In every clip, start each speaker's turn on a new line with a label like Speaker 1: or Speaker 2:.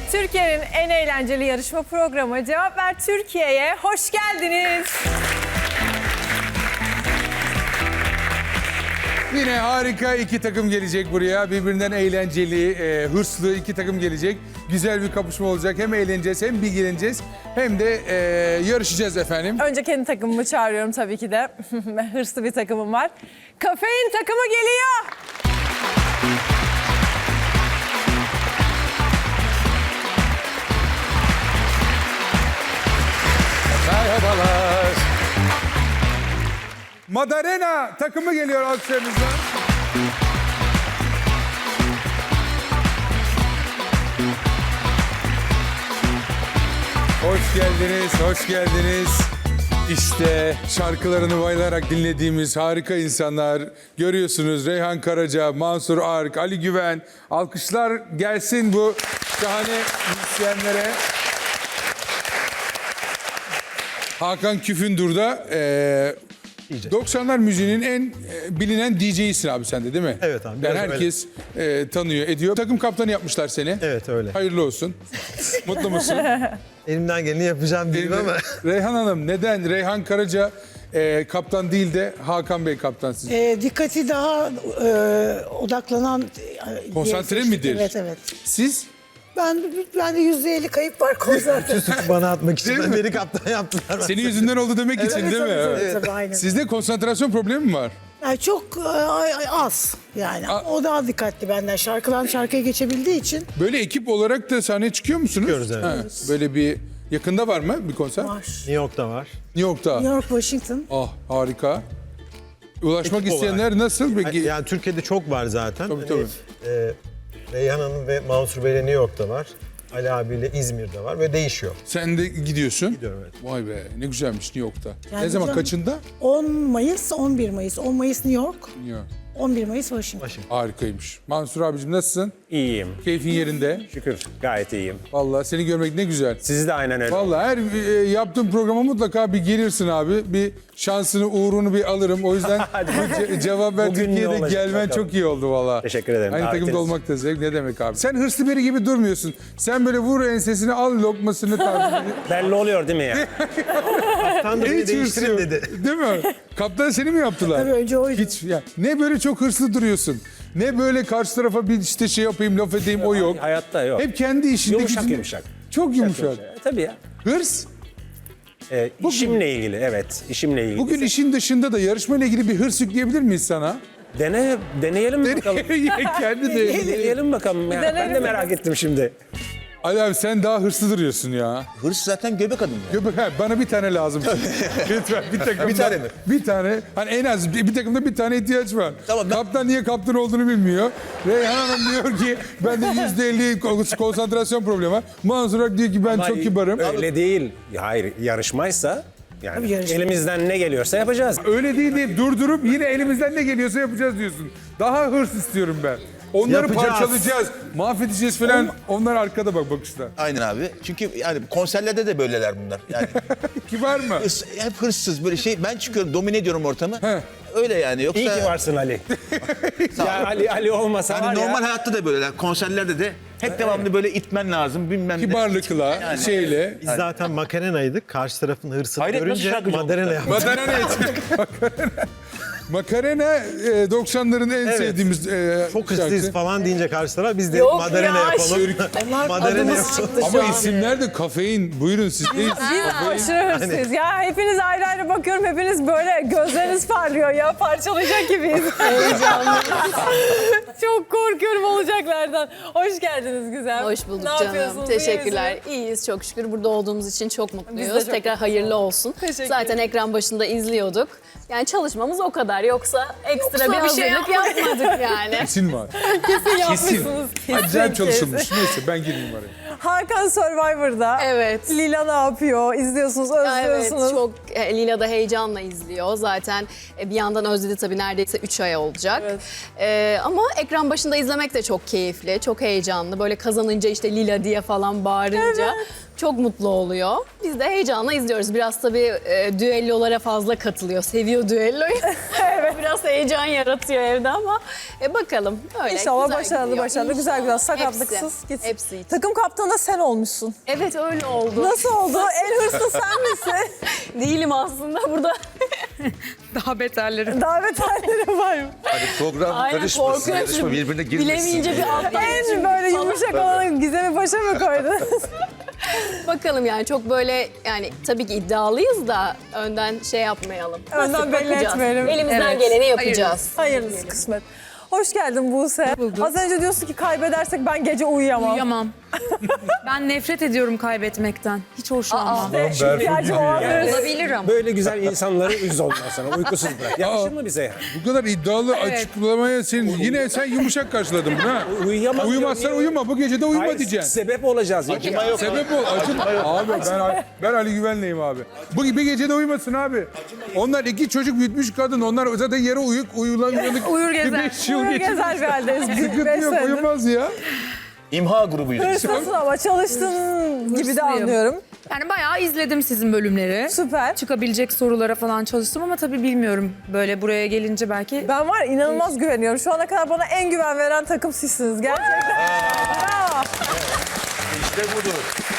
Speaker 1: Türkiye'nin en eğlenceli yarışma programı Cevap Ver Türkiye'ye hoş geldiniz.
Speaker 2: Yine harika iki takım gelecek buraya. Birbirinden eğlenceli, hırslı iki takım gelecek. Güzel bir kapışma olacak. Hem eğleneceğiz, hem bilgileneceğiz, hem de yarışacağız efendim.
Speaker 1: Önce kendi takımımı çağırıyorum tabii ki de. Hırslı bir takımım var. Kafein takımı geliyor.
Speaker 2: Merhabalar. Madarena takımı geliyor alkışlarınızla. Hoş geldiniz, hoş geldiniz. İşte şarkılarını bayılarak dinlediğimiz harika insanlar. Görüyorsunuz Reyhan Karaca, Mansur Ark, Ali Güven. Alkışlar gelsin bu şahane müzisyenlere. Hakan Küfündür da 90'lar müziğinin en bilinen DJ'sin abi sen de değil mi?
Speaker 3: Evet abi,
Speaker 2: Yani
Speaker 3: biraz
Speaker 2: herkes tanıyor, ediyor. Takım kaptanı yapmışlar seni.
Speaker 3: Evet öyle.
Speaker 2: Hayırlı olsun. Mutlu musun?
Speaker 3: Elimden geleni yapacağım diyeyim ama.
Speaker 2: Reyhan Hanım neden Reyhan Karaca kaptan değil de Hakan Bey kaptan siz?
Speaker 4: Dikkati daha odaklanan...
Speaker 2: Konsantre
Speaker 4: diye
Speaker 2: midir?
Speaker 4: Evet, evet.
Speaker 2: Siz?
Speaker 4: Ben de %50 kayıp var konsantre.
Speaker 3: Suçu bana atmak için
Speaker 2: Değil mi?
Speaker 3: beni kaptan yaptılar.
Speaker 2: Senin yüzünden oldu demek için değil mi? Evet.
Speaker 4: Tabii, aynen.
Speaker 2: Sizde konsantrasyon problemi mi var?
Speaker 4: Yani çok az yani. O daha dikkatli benden. Şarkıdan şarkıya geçebildiği için
Speaker 2: Böyle ekip olarak da sahneye çıkıyor musunuz?
Speaker 3: Çıkıyoruz, evet.
Speaker 2: Ha, böyle bir yakında var mı bir konser?
Speaker 4: var.
Speaker 3: New York'ta var.
Speaker 2: New York'ta.
Speaker 4: New York, Washington.
Speaker 2: Ah harika. Ulaşmak
Speaker 3: Ekip
Speaker 2: isteyenler nasıl? Peki?
Speaker 3: Yani Türkiye'de çok var zaten.
Speaker 2: Tabii, tabii.
Speaker 3: Reyhan Hanım ve Mansur Bey'le New York'ta var. Ali abiyle İzmir'de var ve değişiyor.
Speaker 2: Sen de gidiyorsun.
Speaker 3: Gidiyorum, evet.
Speaker 2: Vay be ne güzelmiş New York'ta.
Speaker 4: Yani
Speaker 2: ne zaman
Speaker 4: canım.
Speaker 2: kaçında?
Speaker 4: 10 Mayıs, 11 Mayıs. 10 Mayıs New York,
Speaker 2: New York.
Speaker 4: 11 Mayıs Washington.
Speaker 2: Harikaymış. Mansur abicim nasılsın?
Speaker 5: İyiyim.
Speaker 2: Keyfin yerinde.
Speaker 5: Şükür gayet iyiyim.
Speaker 2: Vallahi seni görmek ne güzel.
Speaker 5: Siz de aynen öyle.
Speaker 2: Vallahi her yaptığım programa mutlaka bir gelirsin abi. Bir şansını, uğrunu bir alırım. O yüzden bu Cevap Ver
Speaker 5: Bugün ne
Speaker 2: Türkiye'de
Speaker 5: olacak
Speaker 2: gelmen
Speaker 5: bakalım.
Speaker 2: çok iyi oldu vallahi.
Speaker 5: Teşekkür ederim.
Speaker 2: Aynı takımda
Speaker 5: Davetiniz.
Speaker 2: olmak da zevk ne demek abi. Sen hırslı biri gibi durmuyorsun. Sen böyle vur ensesini al lokmasını tarzı.
Speaker 5: Belli oluyor değil mi ya?
Speaker 3: Kaptan da beni
Speaker 2: Hiç hırsı
Speaker 3: değiştirin
Speaker 2: yok.
Speaker 3: dedi.
Speaker 2: Değil mi? Kaptan seni mi yaptılar?
Speaker 4: Tabii önce oydu.
Speaker 2: Hiç ya ne böyle çok hırslı duruyorsun. Ne böyle karşı tarafa bir işte şey yapayım, laf edeyim o yok.
Speaker 5: Hayatta yok.
Speaker 2: Hep kendi işinde
Speaker 5: Yumuşak
Speaker 2: gücünde.
Speaker 5: yumuşak.
Speaker 2: Çok yumuşak.
Speaker 5: Tabii ya.
Speaker 2: Hırs.
Speaker 5: İşimle ilgili evet. İşimle ilgili.
Speaker 2: Bugün işin dışında da yarışmayla ilgili bir hırs yükleyebilir miyiz sana?
Speaker 5: Deneyelim bakalım.
Speaker 2: Kendi de.
Speaker 5: Deneyelim bakalım. Ya. Ben de merak ettim şimdi.
Speaker 2: Ali abi sen daha hırslı duruyorsun ya.
Speaker 6: Hırs zaten göbek adım ya.
Speaker 2: Göbek, bana bir tane lazım. Lütfen bir takımda.
Speaker 6: Bir tane mi?
Speaker 2: Bir tane. Hani en az bir takımda bir tane ihtiyaç var.
Speaker 6: Tamam, ben-
Speaker 2: Kaptan niye kaptan olduğunu bilmiyor. Reyhan Hanım diyor ki bende %50 konsantrasyon problemi var. Mansur Ak diyor ki ben
Speaker 5: Ama
Speaker 2: çok kibarım.
Speaker 5: Öyle değil. Hayır yarışmaysa yani
Speaker 4: Tabii yarışma.
Speaker 5: elimizden ne geliyorsa yapacağız.
Speaker 2: Öyle değil deyip durdurup yine elimizden ne geliyorsa yapacağız diyorsun. Daha hırs istiyorum ben. Onları
Speaker 3: Yapacağız.
Speaker 2: parçalayacağız, mahvedeceğiz falan. Onlar arkada bak bakışta.
Speaker 6: Aynen abi. Çünkü yani konserlerde de böyleler bunlar. Yani
Speaker 2: Kibar mı?
Speaker 6: hep hırsız böyle şey. Ben çıkıyorum, domine ediyorum ortamı.
Speaker 2: He.
Speaker 6: Öyle yani. Yoksa
Speaker 5: İyi ki varsın Ali. ya Ali olmasa var
Speaker 6: hani
Speaker 5: ya.
Speaker 6: normal hayatta da böyleler. Konserlerde de hep devamlı böyle itmen lazım, bilmem ne.
Speaker 2: Kibarlıkla,
Speaker 6: Yani.
Speaker 2: şeyle.
Speaker 3: Biz zaten Makarena'ydık. Karşı tarafın hırsını
Speaker 6: Hayret, nasıl
Speaker 3: görünce
Speaker 6: şarkıcı
Speaker 3: Madarena
Speaker 6: oldu?
Speaker 3: yaptık.
Speaker 2: Makarena için. Makarena 90'ların en
Speaker 3: Evet.
Speaker 2: sevdiğimiz
Speaker 3: Çok
Speaker 2: şarkı.
Speaker 3: hırsız falan deyince karşı taraf biz de
Speaker 1: Yok
Speaker 3: Madarena
Speaker 1: ya,
Speaker 3: yapalım.
Speaker 4: Onlar
Speaker 3: Madarena
Speaker 4: adımız
Speaker 3: yapalım.
Speaker 4: çıktı şu
Speaker 2: Ama
Speaker 4: an.
Speaker 2: isimler de kafein. Buyurun siz değil.
Speaker 1: Biz aşırı hırsız. Ya hepiniz ayrı ayrı bakıyorum. Hepiniz böyle gözleriniz parlıyor ya. Parçalayacak gibiyiz. Heyecanlı. Çok korkuyorum olacaklardan. Hoş geldiniz güzel.
Speaker 7: Hoş bulduk
Speaker 1: Ne
Speaker 7: canım.
Speaker 1: yapıyorsunuz? İyi
Speaker 7: Teşekkürler.
Speaker 1: misiniz?
Speaker 7: İyiyiz çok şükür. Burada olduğumuz için çok
Speaker 1: Biz de
Speaker 7: mutluyuz.
Speaker 1: çok
Speaker 7: Tekrar hayırlı olsun.
Speaker 1: Teşekkür
Speaker 7: Zaten ekran başında izliyorduk. Yani çalışmamız o kadar. Yoksa ekstra bir
Speaker 1: bir şey
Speaker 7: hazırlık yapmadık yani.
Speaker 2: Kesin var.
Speaker 1: Kesin yapmışsınız.
Speaker 2: Acayip çalışılmış. Neyse ben girmeyeyim araya.
Speaker 1: Hakan Survivor'da.
Speaker 7: Evet.
Speaker 1: Lila ne yapıyor? İzliyorsunuz,
Speaker 7: Evet
Speaker 1: özlüyorsunuz.
Speaker 7: çok Lila da heyecanla izliyor. Zaten bir yandan özledi tabii neredeyse 3 ay olacak. Ama ekran başında izlemek de çok keyifli, çok heyecanlı. Böyle kazanınca işte Lila diye falan bağırınca çok mutlu oluyor. Biz de heyecanla izliyoruz. Biraz tabii düellolara fazla katılıyor. Seviyor düelloyu. Biraz heyecan yaratıyor evde ama bakalım. Öyle,
Speaker 1: İnşallah
Speaker 7: güzel
Speaker 1: başarılı
Speaker 7: gidiyor.
Speaker 1: başarılı, güzel güzel sakatlıksız
Speaker 7: Hepsi,
Speaker 1: gitsin.
Speaker 7: hepsi için.
Speaker 1: Takım kaptanı da sen olmuşsun.
Speaker 7: Evet öyle oldu.
Speaker 1: Nasıl oldu? En hırslı sen misin?
Speaker 7: Değilim aslında burada.
Speaker 8: Daha beterleri.
Speaker 1: Davet halleri var mı?
Speaker 6: Hani program
Speaker 7: Aynen,
Speaker 6: karışmasın,
Speaker 7: korkuyorum.
Speaker 6: yarışma birbirine girmesin.
Speaker 7: Bilemeyince bir alttan
Speaker 1: En böyle yumuşak olanı Gizem'i başa mı koydunuz?
Speaker 7: bakalım yani çok böyle yani tabii ki iddialıyız da önden şey yapmayalım.
Speaker 1: Önden
Speaker 7: Nasip
Speaker 1: belli
Speaker 7: bakacağız.
Speaker 1: etmeyelim.
Speaker 7: Elimizden
Speaker 8: Evet.
Speaker 7: geleni yapacağız.
Speaker 1: Hayırlısı kısmet. Hoş geldin Buse. Az önce diyorsun ki kaybedersek ben gece uyuyamam.
Speaker 8: Uyuyamam. Ben nefret ediyorum kaybetmekten. Hiç hoşlanmam.
Speaker 1: İhtiyacım olan birisi.
Speaker 8: Olabilir ama.
Speaker 5: Böyle güzel insanları üz ondan sonra. Uykusuz bırak. Yakışır mı bize yani?
Speaker 2: Bu kadar iddialı açıklamaya yine sen yumuşak karşıladın bunu ha.
Speaker 5: Uyuyamam.
Speaker 2: Uyumazsan uyuma. Bu gece de uyuma
Speaker 5: Hayır,
Speaker 2: diyeceksin.
Speaker 5: sebep olacağız.
Speaker 6: Acıma yok.
Speaker 2: Sebep ol. Abi ben Ali Güven'leyim abi. Bu bir gecede uyumasın abi. Onlar 2 çocuk büyütmüş kadın. Onlar zaten yere uyanık.
Speaker 8: Uyur gezer.
Speaker 2: 5 yıl
Speaker 1: Uyur
Speaker 2: geçti.
Speaker 1: gezer bir haldeyiz.
Speaker 2: Sıkıntı
Speaker 1: Beş
Speaker 2: yok,
Speaker 1: senedir.
Speaker 2: uyumaz ya.
Speaker 6: İmha grubuyuz.
Speaker 1: Hırslısın ama çalıştığın gibi de
Speaker 8: Hırslıyım.
Speaker 1: anlıyorum.
Speaker 8: Yani bayağı izledim sizin bölümleri.
Speaker 1: Süper.
Speaker 8: Çıkabilecek sorulara falan çalıştım ama tabii bilmiyorum. Böyle buraya gelince belki...
Speaker 1: Ben var inanılmaz güveniyorum. Şu ana kadar bana en güven veren takım sizsiniz. Gerçekten. Bravo.
Speaker 6: İşte budur.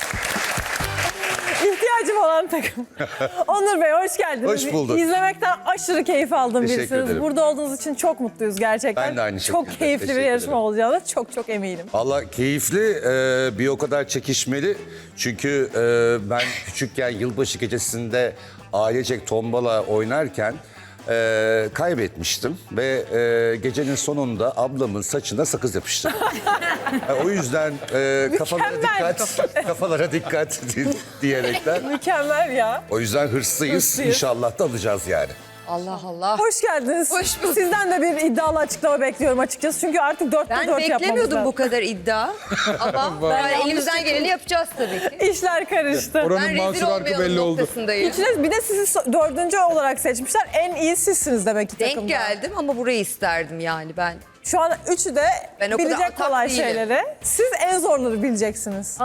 Speaker 1: İhtiyacım olan takım. Onur Bey hoş geldiniz.
Speaker 6: Hoş bulduk.
Speaker 1: İzlemekten aşırı keyif aldım
Speaker 6: Teşekkür
Speaker 1: birisiniz.
Speaker 6: ederim.
Speaker 1: Burada olduğunuz için çok mutluyuz gerçekten.
Speaker 6: Ben de aynı
Speaker 1: Çok
Speaker 6: şekilde.
Speaker 1: keyifli bir
Speaker 6: Teşekkür
Speaker 1: yarışma
Speaker 6: ederim.
Speaker 1: olacağına çok eminim.
Speaker 6: Valla keyifli, bir o kadar çekişmeli. Çünkü ben küçükken yılbaşı gecesinde ailecek tombala oynarken kaybetmiştim. Ve gecenin sonunda ablamın saçına sakız yapıştırdım. O yüzden kafalara dikkat diyerekten.
Speaker 1: Mükemmel ya.
Speaker 6: O yüzden hırslıyız.
Speaker 1: Hırslıyız.
Speaker 6: İnşallah da alacağız yani.
Speaker 8: Allah Allah.
Speaker 1: Hoş geldiniz.
Speaker 8: Hoş bulduk.
Speaker 1: Sizden de bir iddialı açıklama bekliyorum açıkçası. Çünkü artık 4'te 4
Speaker 9: Ben
Speaker 1: yapmamız
Speaker 9: beklemiyordum
Speaker 1: lazım.
Speaker 9: bu kadar iddia. Ama yani elimizden geleni yapacağız tabii ki.
Speaker 1: İşler karıştı.
Speaker 2: Oranın
Speaker 9: Ben
Speaker 2: Mansur
Speaker 9: rezil
Speaker 2: Arkı
Speaker 9: olmayalım
Speaker 2: belli oldu.
Speaker 9: noktasındayım.
Speaker 1: İçiniz bir de sizi 4. olarak seçmişler. En iyi sizsiniz demek ki takımda.
Speaker 9: Denk geldim ama burayı isterdim yani ben.
Speaker 1: Şu an üçü de
Speaker 9: Ben o kadar
Speaker 1: bilecek
Speaker 9: atak
Speaker 1: kolay
Speaker 9: değilim.
Speaker 1: şeyleri. Siz en zorları bileceksiniz.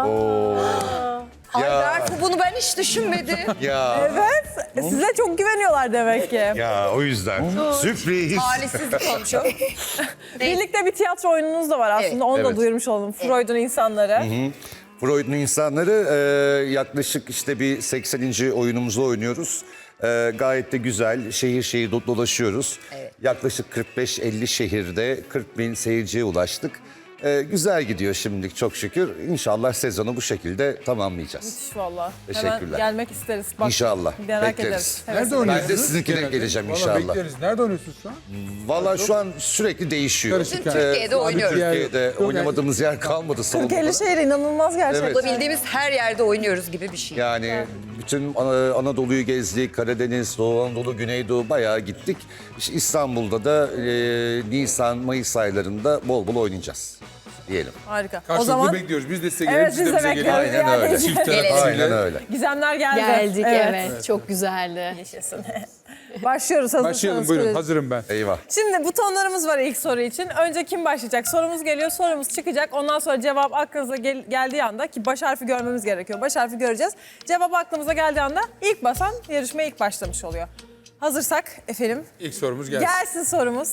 Speaker 9: Ay
Speaker 6: Ya.
Speaker 9: Berfu bunu ben hiç düşünmedim.
Speaker 6: Ya,
Speaker 1: Evet. Size çok güveniyorlar demek ki.
Speaker 6: ya o yüzden. Sürpriz.
Speaker 9: Talihsizlik olmuş o.
Speaker 1: Birlikte bir tiyatro oyununuz da var aslında.
Speaker 9: Evet.
Speaker 1: Onu da
Speaker 6: Evet.
Speaker 1: duyurmuş olalım. Freud'un insanları.
Speaker 6: Freud'un insanları yaklaşık işte bir 80. oyunumuzu oynuyoruz. Gayet de güzel şehir şehir dolaşıyoruz.
Speaker 9: Evet.
Speaker 6: Yaklaşık 45-50 şehirde 40 bin seyirciye ulaştık. Güzel gidiyor şimdilik çok şükür. İnşallah sezonu bu şekilde tamamlayacağız.
Speaker 1: Müthiş valla. Hemen
Speaker 6: Teşekkürler.
Speaker 1: gelmek isteriz. Bak,
Speaker 6: İnşallah,
Speaker 1: Merak
Speaker 6: bekleriz.
Speaker 1: ederiz.
Speaker 2: Nerede
Speaker 1: Evet.
Speaker 2: oynuyorsunuz?
Speaker 6: Ben de sizinkine
Speaker 2: genelde?
Speaker 6: geleceğim
Speaker 2: Vallahi
Speaker 6: inşallah.
Speaker 2: bekleriz. Nerede oynuyorsunuz şu an?
Speaker 6: Valla şu an sürekli değişiyor.
Speaker 2: Karışık
Speaker 9: Bütün Türkiye'de oynuyoruz.
Speaker 6: Türkiye'de oynamadığımız yer kalmadı salonda.
Speaker 1: 40-50 şehir inanılmaz gerçekten.
Speaker 6: Evet.
Speaker 9: Bulabildiğimiz her yerde oynuyoruz gibi bir şey.
Speaker 6: Yani bütün Anadolu'yu gezdik, Karadeniz, Doğu Anadolu, Güneydoğu bayağı gittik. İşte İstanbul'da da Nisan, Mayıs aylarında bol bol oynayacağız diyelim.
Speaker 1: Harika. O
Speaker 2: Karşılıklı
Speaker 1: zaman
Speaker 2: bekliyoruz. Biz de size
Speaker 1: Evet,
Speaker 2: gelelim. Siz
Speaker 1: biz
Speaker 2: de
Speaker 1: de
Speaker 2: bize gelin.
Speaker 1: bekliyoruz.
Speaker 6: Aynen öyle.
Speaker 2: Çift taraf
Speaker 9: Gelelim.
Speaker 6: Aynen öyle.
Speaker 1: gizemler geldi.
Speaker 7: Geldik evet. Çok güzeldi.
Speaker 1: Başlıyoruz hazırsanız.
Speaker 2: Başlayalım buyurun.
Speaker 1: Süreniz.
Speaker 2: Hazırım ben.
Speaker 6: Eyvah.
Speaker 1: Şimdi butonlarımız var ilk soru için. Önce kim başlayacak? Sorumuz geliyor, sorumuz çıkacak. Ondan sonra cevap aklınıza geldiği anda ki baş harfi görmemiz gerekiyor. Baş harfi göreceğiz. Cevap aklımıza geldiği anda ilk basan yarışmaya ilk başlamış oluyor. Hazırsak efendim
Speaker 2: İlk sorumuz gelsin.
Speaker 1: gelsin sorumuz.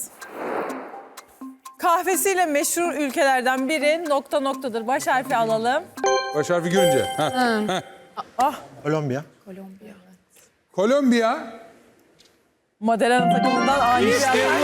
Speaker 1: Kahvesiyle meşhur ülkelerden biri nokta noktadır. Baş harfi alalım.
Speaker 2: Baş harfi görünce. Ha.
Speaker 3: Kolombiya.
Speaker 2: Kolombiya.
Speaker 1: Maderana takımından ani bir
Speaker 2: İşte
Speaker 1: atak.